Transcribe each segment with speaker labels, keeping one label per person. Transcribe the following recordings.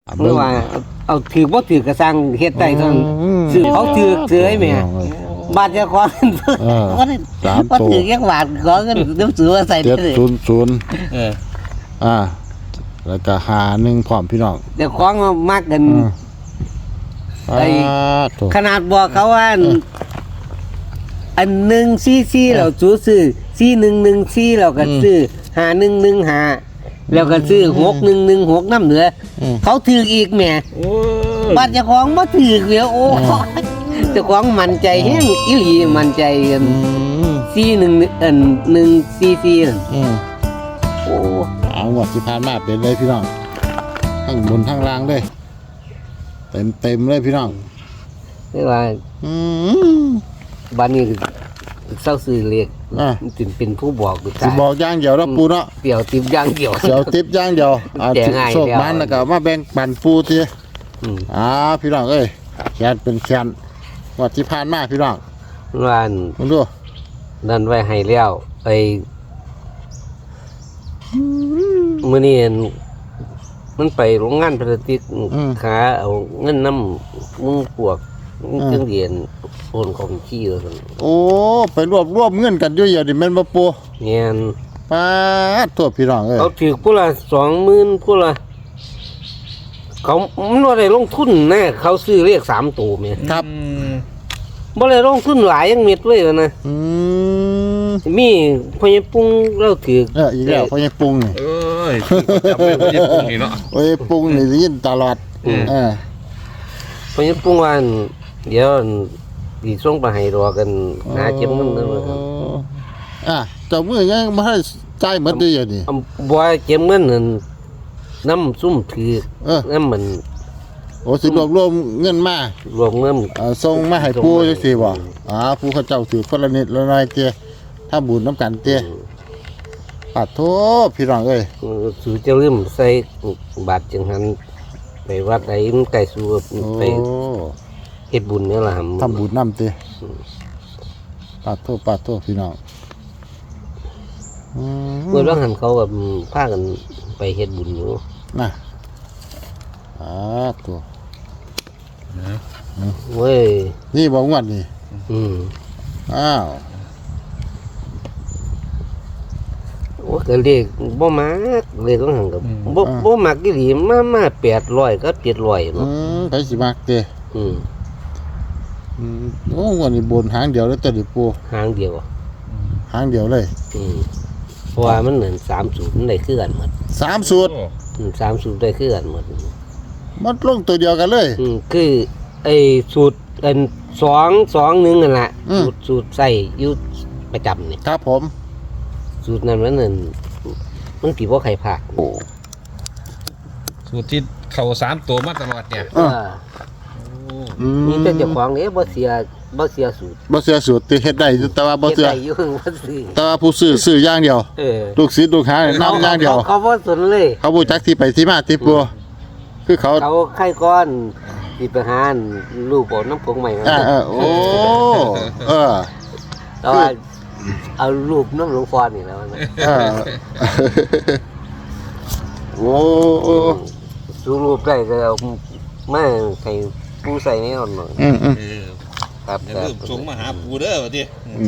Speaker 1: เมื่อว่าเอาถือบ่ถือกระสังเฮ็ดได้ต้องซื้อเขาถือเสือแม่บาทจะขอเงินบ่ถือยักบาทขอเงินน้ำซื้อมาใส่ได้เลย
Speaker 2: แล้วก็51พร้อมพี่น้อง
Speaker 1: เดี๋ยวของมากกันไอ้ขนาดบอกเขาว่าอัน144เราซื้อ4114เราก็ซื้อ5115แล้วก็ซื้อ6116น้ำเหนือเขาถืออีกแม่บาทเจ้าของบ่ถือแล้วโอ้เจ้าของมั่นใจแฮงอีหลีมั่นใจกัน144นั่นโอ้
Speaker 2: เอาหมดที่ผ่านมาเป็นเลยพี่น้องทั้งบนทั้งล่างเลยเต็มเลยพี่น้อง
Speaker 1: คือว่าบ้านนี้เศร้าซื้อเลขจึงเป็นผู้บอก
Speaker 2: สิบอกอย่างเดียวนะปูเนาะ
Speaker 1: เดี๋ยวติบอย่างเดียว
Speaker 2: เดี๋ยวติบอย่างเดียวโชคมันแล้วก็มาแบ่งปันปูทีพี่น้องเอ้ยแขนเป็นแขนหมดที่ผ่านมาพี่น้อง
Speaker 1: วัน
Speaker 2: มึงดู
Speaker 1: นั่นไว้ให้แล้วไอ้มื้อนี้มันไปโรงงานพลาสติกขาเอาเงินน้ำมึงพวกเครื่องเรียนโอนของขี้แล้วกัน
Speaker 2: โอ้ไปรวบเงินกันอยู่อย่างนี้แม่นบ่ปู
Speaker 1: เงี้ย
Speaker 2: ป้าตัวพี่น้องเอ้ย
Speaker 1: เขาถือผู้ละ20,000ผู้ละเขามันว่าได้ลงทุนแน่เขาซื้อเลข3ตัวแม่
Speaker 2: ครับ
Speaker 1: บ่ได้ลงทุนหลายยังเม็ดเลยนะมีพ่อใหญ่ปุ้งเราถือ
Speaker 2: อีกแล้วพ่อใหญ่ปุ้งนี่
Speaker 3: จำเป็นพ่อใหญ่ปุ้งนี่เนาะ
Speaker 2: พ่อใหญ่ปุ้งนี่ได้ยินตลอด
Speaker 1: พ่อใหญ่ปุ้งว่าเดี๋ยวสิส่งไปให้รอกันหาเก็บเงินนั่น
Speaker 2: เจ้ามือยังบ่ให้จ่ายหมดอยู่อย่างนี้
Speaker 1: บ่เก็บเงินนั่นน้ำซุ่มถือน้ำมัน
Speaker 2: โอ้สิรวมเงินมาร
Speaker 1: วมเงิน
Speaker 2: ส่งมาให้ปู่จังซี่บ่ปู่เขาเจ้าถือคนละนิดละหน่อยเตี้ยถ้าบุญน้ำกันเตี้ยปัดโทพี่น้องเอ้ย
Speaker 1: สูจะลืมใส่บาทจังหันไปวัดไหนมันไก่สูไปเฮ็ดบุญเนี่ยล่ะ
Speaker 2: ทำบุญน้ำเตี้ยปัดโทพี่น้อง
Speaker 1: เมื่อวันหันเขาแบบพากันไปเฮ็ดบุญอยู่
Speaker 2: น่ะตัว
Speaker 1: เว้ย
Speaker 2: นี่บอกงวดนี่อ้าว
Speaker 1: โอ้ก็เลขบ่มักเลขของหันกับบ่มักอีหลีมา800กับ700เนาะ
Speaker 2: ไปสิมักเด้โอ้งวดนี้บนหางเดียวแล้วแต่ดิปู
Speaker 1: หางเดียว
Speaker 2: เลย
Speaker 1: เพราะว่ามันเหมือน30มันได้คือกันหมด
Speaker 2: 3สูตร
Speaker 1: 30ได้คือกันหมด
Speaker 2: มันลงตัวเดียวกันเลย
Speaker 1: คือไอ้สูตรอัน221นั่นแหละสูตรใส่อยู่ประจำนี่
Speaker 2: ครับผม
Speaker 1: สูตรนั้นมันสิบ่ใครพลาด
Speaker 3: สูตรที่เข้า3ตัวมาตลอดเนี่ย
Speaker 1: มีแต่เจ้าของนี่บ่เสียสูตร
Speaker 2: ที่เฮ็ดได้แต่ว่าบ่เสียแต่ว่าผู้ซื้ออย่างเดียวลูกศิษย์ลูกหานํอย่างเดียว
Speaker 1: เขาบ่สนเลย
Speaker 2: เขาบ่จักที่ไปที่มาที่ปัวคือเขา
Speaker 1: ไข่ก้อนสิไปหารูปบ่น้ำผงใหม่
Speaker 2: โอ้
Speaker 1: แต่ว่าเอารูปน้ำหลวงฟอนนี่แล้ว
Speaker 2: โอ้
Speaker 1: สูรูปได้ก็เอามาให้ปูใส่ในอ่อนหน่อย
Speaker 3: ครับอย่าลืมส่งมาหาปูเด้อว่าติ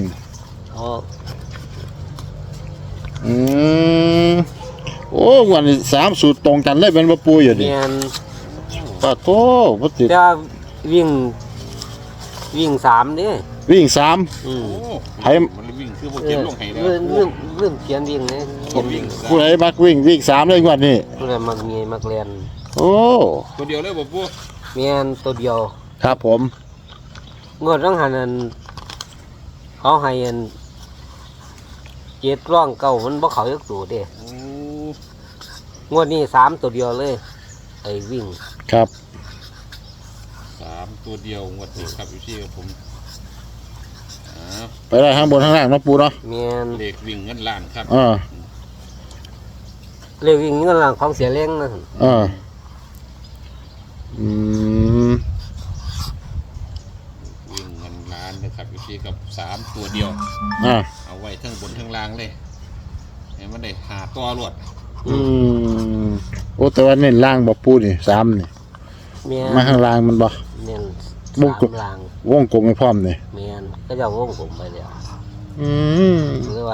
Speaker 2: โอ้วันนี้3สูตรตรงกันเลยเป็นบ่ปูอยู่ดิป้าโตบ่ติด
Speaker 1: จะวิ่ง3นี่
Speaker 2: วิ่ง3
Speaker 3: ให้มันวิ่งคือบ่เก็บลงให้แล้ว
Speaker 1: เรื่องเขียนวิ่งนี่
Speaker 2: ผู้ใดมักวิ่ง3เลยงวดนี้
Speaker 1: ผู้ใดมักมีมักเรียน
Speaker 2: โอ้
Speaker 3: ตัวเดียวเลยบ่ปู
Speaker 1: แม่นตัวเดียว
Speaker 2: ครับผม
Speaker 1: งวดต้องหันเขาให้7ร่องเก่ามันบ่เข้าจักตัวเด้งวดนี้3ตัวเดียวเลยไอ้วิ่ง
Speaker 2: ครับ
Speaker 3: 3ตัวเดียวงวดนี้ครับอยู่ที่ผม
Speaker 2: ไปได้ข้างบนข้างล่างนะปูเนาะ
Speaker 1: แม่น
Speaker 3: เลขวิ่งเงินล้านครับ
Speaker 1: เลขวิ่งเงินล้านของเสียเล้งนะ
Speaker 3: วิ่งเงินล้านนะครับอยู่ที่กับ3ตัวเดียวเอาไว้ทั้งบนทั้งล่างเลยให้มันได้หาตัวรวด
Speaker 2: โอ้แต่ว่าเน้นล่างบ่ปูนี่3นี่
Speaker 1: แม่น
Speaker 2: มาข้างล่างมันบ่
Speaker 1: เน้น
Speaker 2: วงกลม
Speaker 1: 3ลาง
Speaker 2: วงกลมให้พร้อมนี่
Speaker 1: แม่นก็จะวงผมไปแล้ว
Speaker 2: อืม
Speaker 1: หรือว่า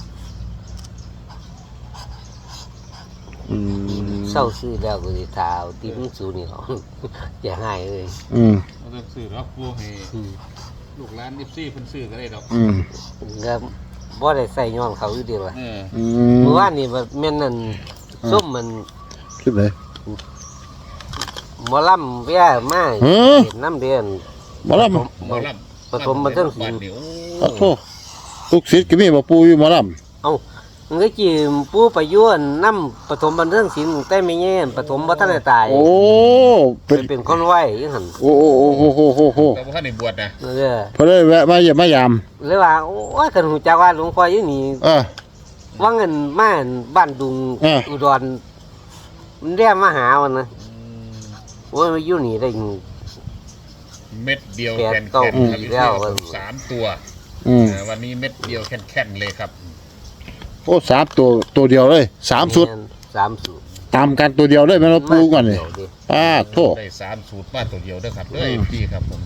Speaker 2: อืม
Speaker 1: เศร้าซื้อแล้วก็สิทาเอาติมสูนี่เขา อย่าให้เลย
Speaker 2: อืม
Speaker 3: เราต้องซื้อรับปูให้ลูกหลาน14เพิ่นซื้อก็ได้ดอก
Speaker 2: อืม
Speaker 1: ก็บ่ได้ใส่ย้อนเขาอยู่เดียวล่ะ
Speaker 3: เออ
Speaker 2: อื
Speaker 1: เมื่อ
Speaker 2: ม
Speaker 1: วานนี่แบบแม่นนั่นส้มมัน
Speaker 2: คลิปเลย
Speaker 1: หมอลำเวียมา
Speaker 2: หือ
Speaker 1: เห็นน้ำเดือน
Speaker 2: บ่ล่ะ
Speaker 3: หมอลำ
Speaker 1: ปฐมบันเทิงศิลป์
Speaker 3: บ้านนี่โอ้
Speaker 2: ขอโทษทุกศิษย์ก็มีบ่ปูอยู่หมอลำ
Speaker 1: เอ้ามันก็จีปูไปยั่วน้ำปฐมบันเทิงศิลป์แต่ไม่แย่ปฐมบ่ทันได้ตาย
Speaker 2: โอ้เป็น
Speaker 1: เป็นคนไหวยังหั่น
Speaker 2: โอ้โอ้โอ้โอ้โอ้โอ้โอ้
Speaker 3: แต่ว่าท่านในบวชนะ
Speaker 1: เออ
Speaker 2: เพอเลยแวะมาเยี่ยมมายาม
Speaker 1: เลยว่าโอ้ยคันหูจักว่าหลวงพ่ออยู่นี่ ว่าเงินมาบ้านดุง อุดรมันเรียกมาหาวันนะว่ามาอยู่นี่ได้
Speaker 3: เม็ดเดียว
Speaker 1: แปด
Speaker 3: แคน
Speaker 1: เก้า
Speaker 3: แคนครับ
Speaker 1: ปี
Speaker 3: พี่
Speaker 1: แล้ว
Speaker 3: ครับ3ตัว
Speaker 2: อืม
Speaker 3: วันนี้เม็ดเดียวแคนแคนเลยครับ
Speaker 2: โอ้ตัวเดียวเลย3สุด
Speaker 1: 3 สูตร
Speaker 2: ตามกันตัวเดียวเลยแม่นบ่ปูก่อนนี่
Speaker 1: เดี๋ยวดิ
Speaker 2: โทษ
Speaker 3: ได้3สูตรมาตัวเดียวเด้อครับเด้อพี่ครับผม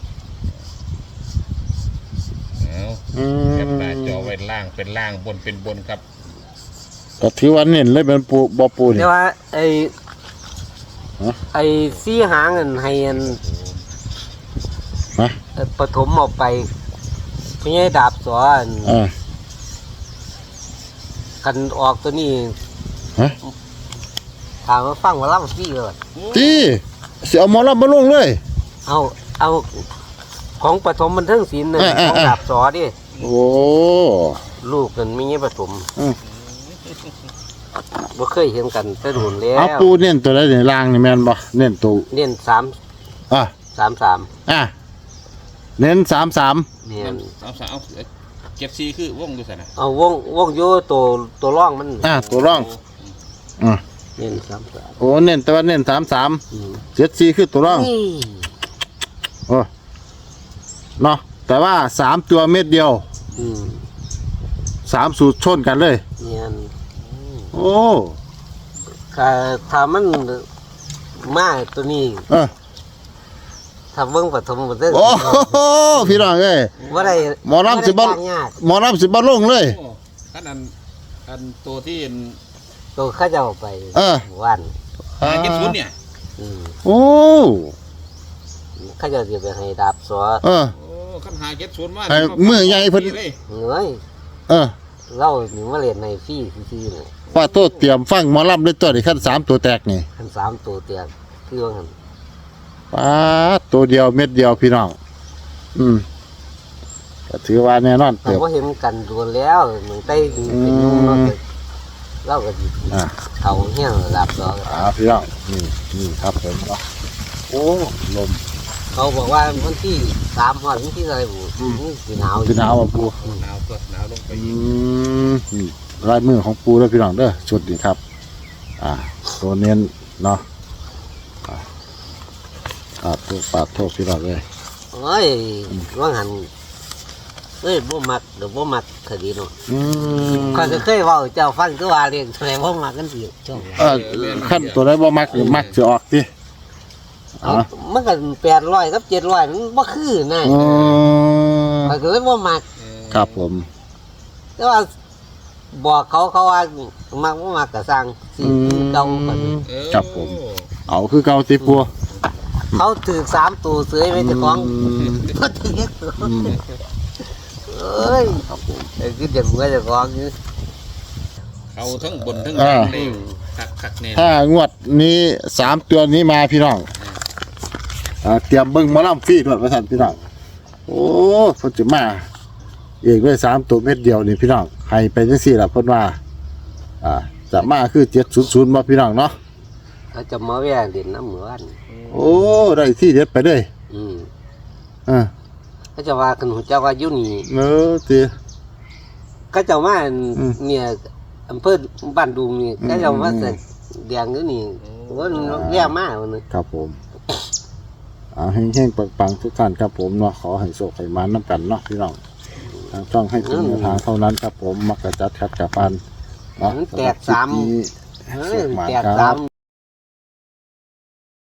Speaker 3: เอา
Speaker 2: อื
Speaker 3: แคป
Speaker 2: ม
Speaker 3: หน้าจอไว้ล่างเป็นล่างบนเป็นบนครับ
Speaker 2: ก็ถือว่าเน้นเลยเป็นปูบ่ปูนี่
Speaker 1: แต่ว่าไอ้
Speaker 2: ฮะ
Speaker 1: ไอ้ซี่หางเงินให้อัน
Speaker 2: ฮะ
Speaker 1: ปฐมออกไปพี่ให้ดาบสอน
Speaker 2: อ่า
Speaker 1: กันออกตัวนี้
Speaker 2: ฮะ
Speaker 1: ถามว่าฟังว่าล่ำซี่เลย
Speaker 2: ที่สิเอาหมอลำมาลงเลย
Speaker 1: เอาของปฐมบันเทิงศิลป์น่ะของดาบสอดิ
Speaker 2: โอ้
Speaker 1: ลูกกันไม่ใช่ปฐม
Speaker 2: อืม
Speaker 1: บ่เคยเห็นกันแต่โดนแล้
Speaker 2: เอา
Speaker 1: ว
Speaker 2: ปูเน้นตัวใดนี่ล่างนี่แม่นบ่เน้นตัว
Speaker 1: เน้น
Speaker 2: อ่ะ
Speaker 1: 3
Speaker 2: อ่ะเน้น33
Speaker 1: เน้น
Speaker 3: เอาเก็บซีคือวงดูสินะ
Speaker 1: เอาวงอยู่ตัวร่องมัน
Speaker 2: ตัวร่องอ่ะ
Speaker 1: เน้น3
Speaker 2: โอ้เน้นแต่ว่าเน้น33 74คือตัวร่อง
Speaker 1: นี่
Speaker 2: โอ้เนาะแต่ว่า3ตัวเม็ดเดียว
Speaker 1: อืม
Speaker 2: 3สูตรชนกันเลย
Speaker 1: เนียน
Speaker 2: โอ้
Speaker 1: ถ้ามันมาตัวนี้
Speaker 2: เออ
Speaker 1: ถ้าเบิ่งปฐมบันเทิง
Speaker 2: โอ้โหพี่น้องเอ้ย
Speaker 1: บ่ได้
Speaker 2: หมอลำสิบ่
Speaker 1: บ่ได้ยาก
Speaker 2: หมอลำสิบ่ลงเลย
Speaker 3: โอ้อันตัวที่
Speaker 1: ตัวเขาเจ้าไป
Speaker 2: เออ
Speaker 1: วัน
Speaker 3: เก็บศูนย์เนี่ย
Speaker 1: อืม
Speaker 2: โอ้
Speaker 1: เขาเจ้าสิไปให้ดาบสอ
Speaker 2: เออ
Speaker 3: โอ้ขันหาเก็บศูนย์มา
Speaker 2: ไอ้มือใหญ่เพิ่น
Speaker 3: เลย
Speaker 1: เอ้ย
Speaker 2: เออ
Speaker 1: เรานี่มาเล่นในฟรีซื่อๆนี่
Speaker 2: ว่าโตเตรียมฟังหมอลำด้วยตัวนี้ขั้น3ตัวแตกนี่
Speaker 1: คัน3ตัวเตียงคือว่าหั่น
Speaker 2: ป้าดตัวเดียวเม็ดเดียวพี่น้อง อืมก็ถือว่าแน่นอน
Speaker 1: เรา
Speaker 2: เติบ
Speaker 1: บ่เห็นกันโดนแล้วเหมือนใต้เป็นยุงเนาะเราก็สิ
Speaker 2: อ่า
Speaker 1: เขาเฮี้ยงดาบสอ
Speaker 2: พี่น้องนี่ครับผมเนาะโอ้ลม
Speaker 1: เขาบอกว่าวันที่3วันที่อะไรบุสิหนาว
Speaker 2: พี่หนาวอ่ะปู
Speaker 3: หนาวตัวหนาวลงไป
Speaker 2: อื
Speaker 3: อีก
Speaker 2: มนี่ลายมือของปูแล้วพี่น้องเด้อชุดนี้ครับ ตัวเน้นเนาะปาดโทษพี่น้องเลย
Speaker 1: โอ้ยว่าหันเอ้ยบ่มักเดี๋ยวบ่มักคดีเนาะ
Speaker 2: อืม
Speaker 1: ข้อยก็เคยเว้าเจ้าฟังคือว่าเรียนแสดงบ่มักกันสิช่วง
Speaker 2: ขั้นตัวไหนบ่มักหรือมักจะออกดิ
Speaker 1: เอามันก็800กับ700มันบ่คือนะ
Speaker 2: อ๋อ
Speaker 1: ข้อยก็เลยบ่มัก
Speaker 2: ครับผม
Speaker 1: แต่ว่าบอกเขาว่ามักบ่มักก็สร้างสิเก่าก่อน
Speaker 2: ครับผม เอาคือเก่าติปัว
Speaker 1: เขาถือ3ตัวเสยไว้เจ้าของบ่ถือตัวเอ้ยไอ้คือเด็กไว้เจ้าของอยู่
Speaker 3: เขาทั้งบนทั้งล่างเลยคักแน่
Speaker 2: ถ้างวดนี้3ตัวนี้มาพี่น้องเตรียมเบิ่งหมอลำฟรีด้วยประท่านพี่น้องโอ้เพิ่นจะมาเองด้วย3ตัวเม็ดเดียวนี่พี่น้องให้ไปจังซี่ล่ะเพิ่นว่าจะมาคือ700บ่พี่น้องเนาะ
Speaker 1: เขาจะมาแว่เล่นน้ำเหมือน
Speaker 2: โอ้ได้ที่เด็ดไปเลย
Speaker 1: อืม
Speaker 2: อ่า
Speaker 1: เขาจะว่าคันหัวเจ้าว่าอยู่นี่
Speaker 2: ตี
Speaker 1: เขาจะมา
Speaker 2: อืม
Speaker 1: เนี่ยอำเภอบ้านดุงนี่เขาจะมาแต่แดงอยู่นี่ว่าแย่มากวันนึง
Speaker 2: ครับผมแห้งๆปังๆทุกท่านครับผมเนาะขอให้โชคให้มาน้ำกันเนาะพี่น้องทางช่องให้เป็นแนวทางเท่านั้นครับผมมักกะจัดคัดกะปันเนาะ
Speaker 1: มันแตกสาม
Speaker 2: สำหรับคลิปนี้
Speaker 1: เฮ้
Speaker 2: โช
Speaker 1: ย
Speaker 2: คมา
Speaker 1: แตก
Speaker 2: ค
Speaker 1: สา
Speaker 2: รั
Speaker 1: ม
Speaker 2: บ